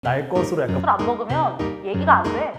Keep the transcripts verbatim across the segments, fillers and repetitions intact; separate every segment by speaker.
Speaker 1: 날 것으로 약간
Speaker 2: 술 안 먹으면 얘기가 안 돼.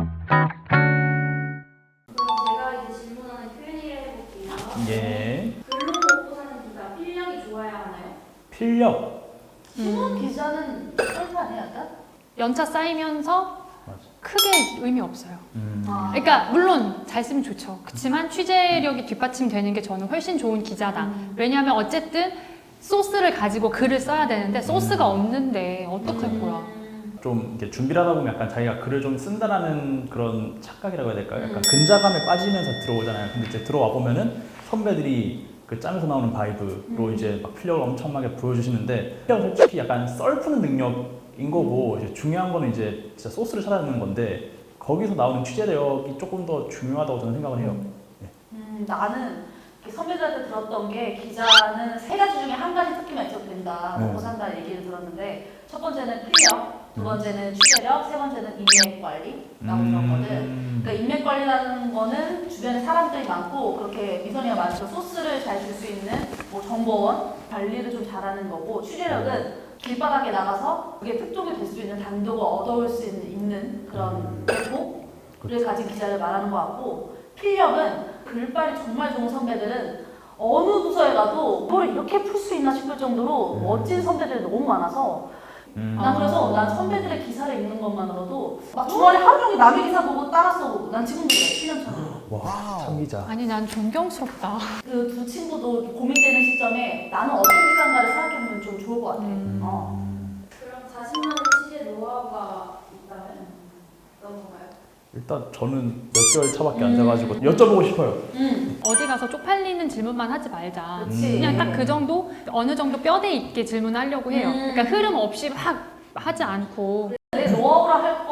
Speaker 3: 그럼 제가 이제 질문하는 큐앤에이를 해볼게요.
Speaker 1: 예
Speaker 3: 글로 먹고 사는 기자, 필력이 좋아야 하나요?
Speaker 1: 필력
Speaker 2: 신문 기자는 썰판해 약간?
Speaker 4: 연차 쌓이면서
Speaker 1: 맞아.
Speaker 4: 크게 의미 없어요.
Speaker 1: 음.
Speaker 2: 아.
Speaker 4: 그러니까 물론 잘 쓰면 좋죠. 그렇지만 취재력이 뒷받침되는 게 저는 훨씬 좋은 기자다.
Speaker 2: 음.
Speaker 4: 왜냐하면 어쨌든 소스를 가지고 글을 써야 되는데 소스가 없는데 어떡할 거야.
Speaker 1: 좀 이렇게 준비를 하다 보면 약간 자기가 글을 좀 쓴다라는 그런 착각이라고 해야 될까요? 약간
Speaker 2: 음.
Speaker 1: 근자감에 빠지면서 들어오잖아요. 근데 이제 들어와 보면은 선배들이 그 짬에서 나오는 바이브로
Speaker 2: 음.
Speaker 1: 이제 막 필력을 엄청나게 보여주시는데 필력은 솔직히 약간 썰 푸는 능력인 거고 이제 중요한 거는 이제 진짜 소스를 찾아내는 건데 거기서 나오는 취재력이 조금 더 중요하다고 저는 생각을 해요.
Speaker 2: 음, 나는 선배들한테 들었던 게 기자는 세 가지 중에 한 가지 특기만 있어도 된다.
Speaker 1: 네.
Speaker 2: 먹고 산다는 얘기를 들었는데 첫 번째는 필력, 두 번째는 취재력, 세 번째는 인맥 관리라고 들었거든.
Speaker 1: 음.
Speaker 2: 그러니까 인맥 관리라는 거는 주변에 사람들이 많고 그렇게 미선이가 말해서 소스를 잘 줄 수 있는 뭐 정보원 관리를 좀 잘하는 거고 취재력은 길바닥에 나가서 그게 특종이 될 수 있는 단독을 얻어올 수 있는, 있는 그런 대포를 가진 기자를 말하는 것 같고 필력은 글빨이 정말 좋은 선배들은 어느 부서에 가도 뭘 이렇게 풀 수 있나 싶을 정도로
Speaker 1: 음.
Speaker 2: 멋진 선배들이 너무 많아서
Speaker 1: 음.
Speaker 2: 난 그래서 난 선배들의 기사를 읽는 것만으로도 막 주말에 하루 종일 남의 기사 보고 따라 써보고 난 지금도 그래 칠 년 차로
Speaker 1: 와, 참기자.
Speaker 4: 아니 난 존경스럽다.
Speaker 2: 그 두 친구도 고민되는 시점에 나는 어떤 기사인가를 생각해보면 좀 좋을 것 같아.
Speaker 4: 음.
Speaker 2: 어.
Speaker 3: 그럼 자신만의 취재 노하우가 있다면 어떤 건가요?
Speaker 1: 일단 저는 몇 개월 차밖에 안 돼가지고 여쭤보고 싶어요.
Speaker 2: 음,
Speaker 4: 어디 가서 쪽팔리는 질문만 하지 말자.
Speaker 2: 그렇지.
Speaker 4: 그냥 딱 그 정도 어느 정도 뼈대 있게 질문하려고 해요.
Speaker 2: 음.
Speaker 4: 그러니까 흐름 없이 막 하지 않고
Speaker 2: 내 노하우라 할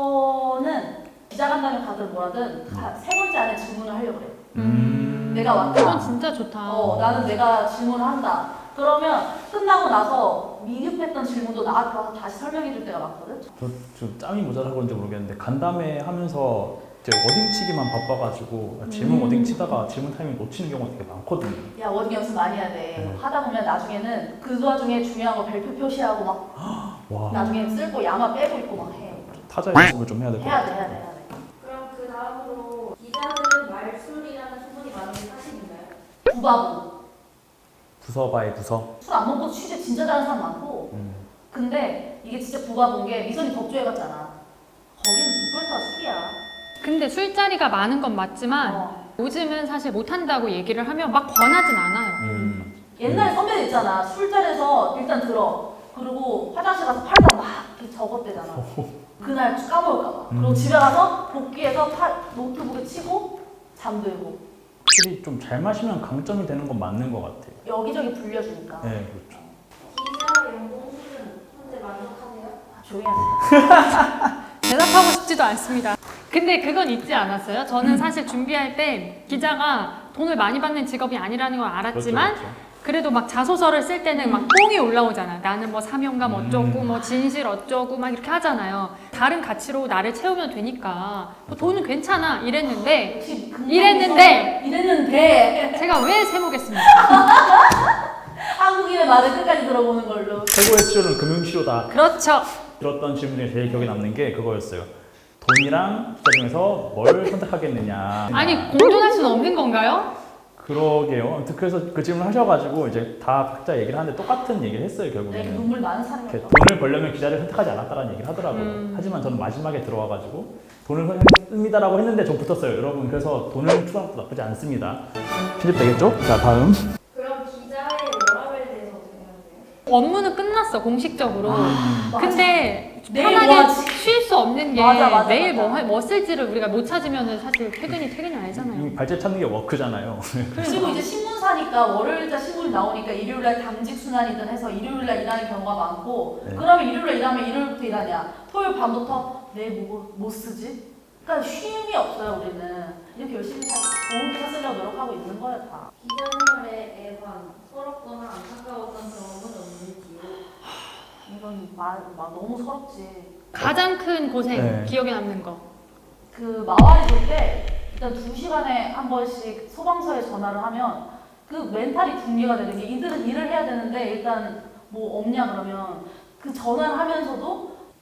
Speaker 2: 거는 기자 간다면 가든 뭐라든 다 세 번째 안에 질문을 하려고 그래.
Speaker 1: 음.
Speaker 2: 내가 왔다.
Speaker 4: 그건 진짜 좋다.
Speaker 2: 어, 나는 내가 질문을 한다. 그러면 끝나고 나서 미흡했던 질문도 나한테 와서 다시 설명해 줄 때가 많거든.
Speaker 1: 저 지금 짬이 모자라서 그런지 모르겠는데 간담회 하면서 이제 워딩치기만 바빠가지고 질문
Speaker 2: 음.
Speaker 1: 워딩 치다가 질문 타이밍 놓치는 경우가 되게 많거든요.
Speaker 2: 야, 워딩 연습 많이 해야 돼.
Speaker 1: 네.
Speaker 2: 하다 보면 나중에는 그 와중에 중요한 거 별표 표시하고 막
Speaker 1: 와,
Speaker 2: 나중에 쓸고 야마 빼고 있고 막 해.
Speaker 1: 타자 연습을 좀 해야 될 것
Speaker 2: 해야 돼,
Speaker 1: 같아요.
Speaker 2: 해야 돼, 해야 돼.
Speaker 3: 그럼 그 다음으로 기자들은 말술이라는 소문이 많은 게 사실인가요?
Speaker 2: 부바부.
Speaker 1: 부서 바의 부서.
Speaker 2: 술 안 먹고 취재 진짜 잘하는 사람 많고.
Speaker 1: 음.
Speaker 2: 근데 이게 진짜 부바부인 게 미선이 덕조에 갔잖아. 거기는 빅벌타가 술이야.
Speaker 4: 근데 술자리가 많은 건 맞지만
Speaker 2: 어.
Speaker 4: 요즘은 사실 못한다고 얘기를 하면 막 권하진 않아요.
Speaker 1: 음.
Speaker 2: 옛날에 선배들 있잖아. 술자리에서 일단 들어. 그리고 화장실 가서 팔다 막 이렇게 적었대잖아. 그날 까먹을까봐. 그리고
Speaker 1: 음.
Speaker 2: 집에 가서 복귀해서 팔, 노트북에 치고 잠들고.
Speaker 1: 확실히 좀 잘 마시면 강점이 되는 건 맞는 것 같아요.
Speaker 2: 여기저기 불려주니까.
Speaker 1: 네, 그렇죠.
Speaker 3: 기자 연봉 수준 현재 만족하세요?
Speaker 2: 아, 조용히 하세요.
Speaker 4: 대답하고 싶지도 않습니다. 근데 그건 잊지 않았어요. 저는 사실 준비할 때 기자가 돈을 많이 받는 직업이 아니라는 걸 알았지만
Speaker 1: 그렇죠, 그렇죠.
Speaker 4: 그래도 막 자소서를 쓸 때는 막 뽕이 올라오잖아. 나는 뭐 사명감 어쩌고
Speaker 1: 음.
Speaker 4: 뭐 진실 어쩌고 막 이렇게 하잖아요. 다른 가치로 나를 채우면 되니까 뭐 돈은 괜찮아 이랬는데
Speaker 2: 역시 금방
Speaker 4: 이랬는데!
Speaker 2: 무서워. 이랬는데
Speaker 4: 제가 왜 세모겠습니까?
Speaker 2: 한국인의 말을 끝까지 들어보는 걸로.
Speaker 1: 최고의 치료는 금융치료다.
Speaker 4: 그렇죠.
Speaker 1: 들었던 질문 중에 제일 기억에 남는 게 그거였어요. 돈이랑 기자 중에서 뭘 선택하겠느냐.
Speaker 4: 아니 공존할 수는 없는 건가요?
Speaker 1: 그러게요. 아무튼 그래서 그 질문 하셔가지고 이제 다 각자 얘기를 하는데 똑같은 얘기를 했어요
Speaker 2: 내
Speaker 1: 결국에는.
Speaker 2: 눈물 많은 사람이
Speaker 1: 이렇게
Speaker 2: 없어.
Speaker 1: 돈을 벌려면 기자를 선택하지 않았다라는 얘기를 하더라고요.
Speaker 4: 음.
Speaker 1: 하지만 저는 마지막에 들어와가지고 돈을 선택했습니다라고 했는데 좀 붙었어요. 여러분 그래서 돈을 추가한 것도 나쁘지 않습니다. 편집되겠죠? 자 다음.
Speaker 3: 그럼 기자의 워라밸에 대해서 어떻게 생각하세요?
Speaker 4: 업무는 끝났어 공식적으로.
Speaker 1: 음.
Speaker 4: 근데
Speaker 2: 내일
Speaker 4: 편하게
Speaker 2: 뭐 하지?
Speaker 4: 쉴 수 없는 게
Speaker 2: 맞아, 맞아,
Speaker 4: 내일
Speaker 2: 맞아.
Speaker 4: 뭐, 할- 뭐 쓸지를 우리가 못 찾으면 사실 퇴근이 퇴근이 아니잖아요.
Speaker 1: 이미 발제 찾는 게 워크잖아요.
Speaker 2: 그리고 이제 신문사니까 월요일자 신문이 나오니까 일요일날 당직 순환이든 해서 일요일날 일하는 경우가 많고
Speaker 1: 네.
Speaker 2: 그러면 일요일날 일하면 일요일부터 일하냐 토요일 밤부터 내일 뭐, 뭐 쓰지? 그러니까 쉼이 없어요 우리는 이렇게 열심히 살, 좋은 기사 쓰려고 노력하고 있는 거야 다.
Speaker 3: 기자 생활에 애환, 서럽거나 안타까웠던 경험은 없는지요?
Speaker 2: 이건 마, 마, 너무 서럽지.
Speaker 4: 가장 큰 고생
Speaker 1: 네.
Speaker 4: 기억에 남는 거.
Speaker 2: 그 마와리 돌 때 일단 두 시간에 한 번씩 소방서에 전화를 하면 그 멘탈이 붕괴가 되는 게 이들은 일을 해야 되는데 일단 뭐 없냐 그러면 그 전화를 하면서도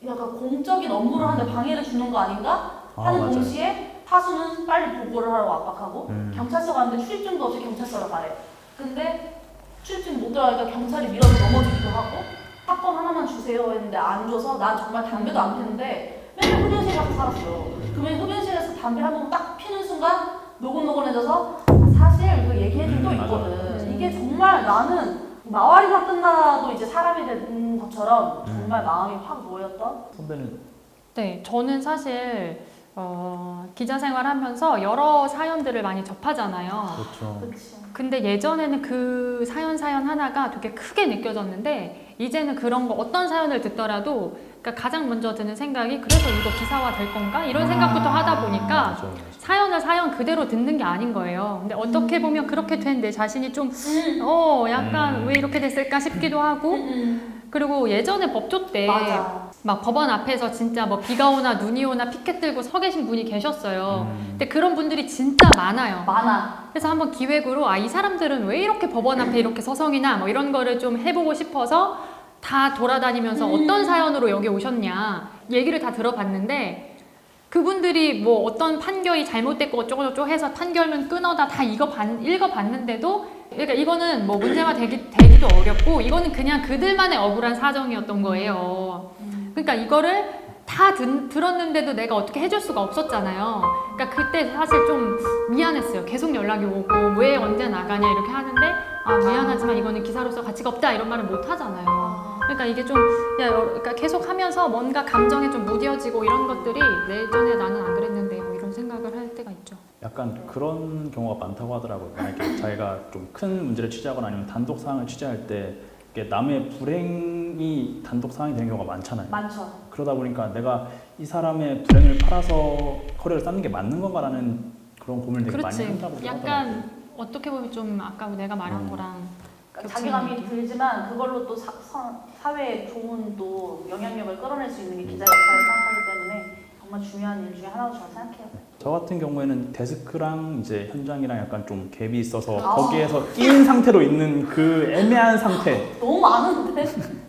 Speaker 2: 약간 공적인 업무를 하는데 방해를 주는 거 아닌가
Speaker 1: 아,
Speaker 2: 하는
Speaker 1: 맞아요.
Speaker 2: 동시에 타수는 빨리 보고를 하라고 압박하고
Speaker 1: 음.
Speaker 2: 경찰서 가는데 출입증도 없이 경찰서로 가래. 근데 출입증 못 들어가니까 경찰이 밀어서 넘어지기도 하고 사건 하나만 주세요 했는데 안 줘서 난 정말 담배도 안 피는데 맨날 흡연실 가서 살았어요. 그러면 흡연실에서 담배 한 번 딱 피는 순간 노곤노곤해져서 사실 그 얘기해준 또
Speaker 1: 음, 맞아.
Speaker 2: 있거든. 이게 정말 나는 마와리가 끝나도 이제 사람이 된 것처럼 정말 마음이 확 놓였던.
Speaker 1: 선배는
Speaker 4: 네, 저는 사실 어, 기자 생활하면서 여러 사연들을 많이 접하잖아요.
Speaker 1: 그렇죠.
Speaker 2: 그치.
Speaker 4: 근데 예전에는 그 사연 사연 하나가 되게 크게 느껴졌는데 이제는 그런 거 어떤 사연을 듣더라도 그러니까 가장 먼저 드는 생각이 그래서 이거 기사화 될 건가? 이런 생각부터 하다 보니까
Speaker 1: 맞아요, 맞아요.
Speaker 4: 사연을 사연 그대로 듣는 게 아닌 거예요. 근데 어떻게 보면 그렇게 된 내 자신이 좀 어, 약간
Speaker 1: 음.
Speaker 4: 왜 이렇게 됐을까 싶기도 하고
Speaker 2: 음,
Speaker 4: 그리고 예전에 법조 때
Speaker 2: 맞아.
Speaker 4: 막 법원 앞에서 진짜 뭐 비가 오나 눈이 오나 피켓 들고 서 계신 분이 계셨어요.
Speaker 1: 음.
Speaker 4: 근데 그런 분들이 진짜 많아요.
Speaker 2: 많아.
Speaker 4: 그래서 한번 기획으로 아 이 사람들은 왜 이렇게 법원 앞에 이렇게 서성이나 뭐 이런 거를 좀 해보고 싶어서 다 돌아다니면서
Speaker 2: 음.
Speaker 4: 어떤 사연으로 여기 오셨냐 얘기를 다 들어봤는데 그분들이 뭐 어떤 판결이 잘못됐고 어쩌고저쩌고 해서 판결문 끊어다 다 이거 봤, 읽어봤는데도 그러니까 이거는 뭐 문제가 되기, 되기도 어렵고 이거는 그냥 그들만의 억울한 사정이었던 거예요. 그러니까 이거를 다 든, 들었는데도 내가 어떻게 해줄 수가 없었잖아요. 그러니까 그때 사실 좀 미안했어요. 계속 연락이 오고 왜 언제 나가냐 이렇게 하는데 아 미안하지만 이거는 기사로서 가치가 없다 이런 말을 못 하잖아요. 그러니까 이게 좀 야, 그러니까 계속 하면서 뭔가 감정에 좀 무뎌지고 이런 것들이 예전에 나는 안 그랬는데 뭐 이런 생각을 할 때가 있죠.
Speaker 1: 약간 그런 경우가 많다고 하더라고요. 만약에 자기가 좀 큰 문제를 취재하거나 아니면 단독 사항을 취재할 때 이게 남의 불행이 단독 사항이 되는 경우가 많잖아요.
Speaker 2: 많죠.
Speaker 1: 그러다 보니까 내가 이 사람의 불행을 팔아서 커리어를 쌓는 게 맞는 건가라는 그런 고민을 되게
Speaker 4: 그렇지.
Speaker 1: 많이 한다고 하더라고요.
Speaker 4: 약간 어떻게 보면 좀 아까 내가 말한
Speaker 1: 음.
Speaker 4: 거랑
Speaker 2: 그러니까 자괴감이 들지만 그걸로 또 사, 사, 사회에 좋은 또 영향력을 끌어낼 수 있는 게 기자 역할을 생각하기 때문에 정말 중요한 일 중에 하나로 저는 생각해요.
Speaker 1: 저 같은 경우에는 데스크랑 이제 현장이랑 약간 좀 갭이 있어서
Speaker 2: 아.
Speaker 1: 거기에서 끼인 상태로 있는 그 애매한 상태.
Speaker 2: 너무 많은데?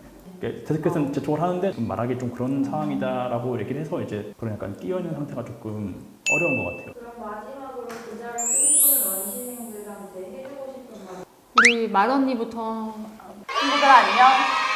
Speaker 1: 데스크에서는 제 쪽을 하는데 좀 말하기 좀 그런 상황이다라고 얘기를 해서 이제 그런 약간 끼어 있는 상태가 조금 어려운 것 같아요.
Speaker 3: 그럼 마지막으로 기자를 꿈꾸는 원시생들한테 해주고 싶은 말.
Speaker 4: 우리 말 언니부터
Speaker 2: 친구들 안녕.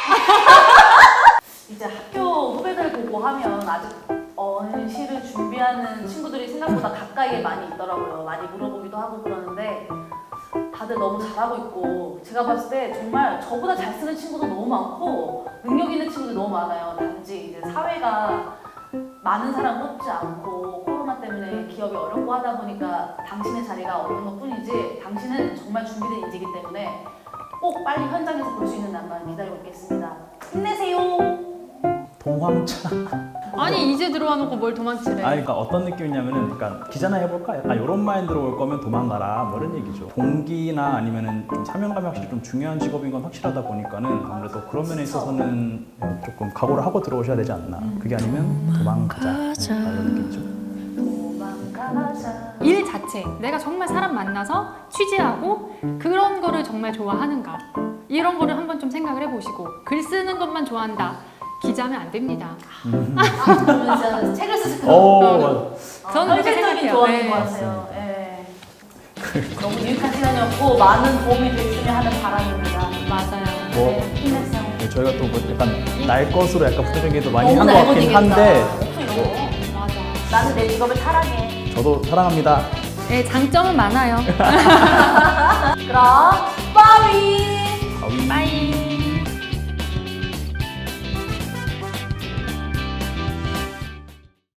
Speaker 2: 이제 학교 후배들 보고 하면 아직 언시를 준비하는 친구들이 생각보다 가까이에 많이 있더라고요. 많이 물어보기도 하고 그러는데 다들 너무 잘하고 있고 제가 봤을 때 정말 저보다 잘 쓰는 친구도 너무 많고 능력 있는 친구도 너무 많아요. 단지 이제 사회가 많은 사람 뽑지 않고 코로나 때문에 기업이 어렵고 하다 보니까 당신의 자리가 없는 것 뿐이지 당신은 정말 준비된 인재이기 때문에 꼭 빨리 현장에서 볼 수 있는 날만 기다리고 있겠습니다. 힘내세요.
Speaker 1: 동황차.
Speaker 4: 아니 이제 들어와 놓고 뭘 도망치래.
Speaker 1: 아, 그러니까 어떤 느낌이냐면은, 그러니까 기자나 해볼까? 약간 이런 마인드로 올 거면 도망가라, 뭐 이런 얘기죠. 동기나 아니면은 좀 사명감이 확실히 좀 중요한 직업인 건 확실하다 보니까는 아무래도 그런 면에 있어서는 조금 각오를 하고 들어오셔야 되지 않나. 그게 아니면 도망가자. 네, 이런 느낌이죠.
Speaker 2: 도망가자.
Speaker 4: 일 자체 내가 정말 사람 만나서 취재하고 그런 거를 정말 좋아하는가 이런 거를 한번 좀 생각을 해보시고 글 쓰는 것만 좋아한다 기자면 안 됩니다.
Speaker 2: 아, 그러면 진짜 책을 쓰실 것
Speaker 1: 오,
Speaker 2: 같아요.
Speaker 1: 맞아.
Speaker 4: 저는 그렇게
Speaker 2: 현실적인
Speaker 4: 생각해요.
Speaker 2: 조언인
Speaker 4: 네.
Speaker 2: 것 같아요. 예. 너무 유익한 시간이었고 많은 도움이 됐으면 하는 바람입니다.
Speaker 4: 맞아요.
Speaker 1: 뭐,
Speaker 2: 네, 힘내세요.
Speaker 1: 네, 저희가 또 뭐 약간 날 것으로 약간 부정적인 게도 많이
Speaker 2: 너무
Speaker 1: 한 것 같긴
Speaker 2: 날것이겠다.
Speaker 1: 한데,
Speaker 2: 없어, 이런 거.
Speaker 4: 맞아.
Speaker 2: 나는 내 직업을 사랑해.
Speaker 1: 저도 사랑합니다.
Speaker 4: 네, 장점은 많아요.
Speaker 2: 그럼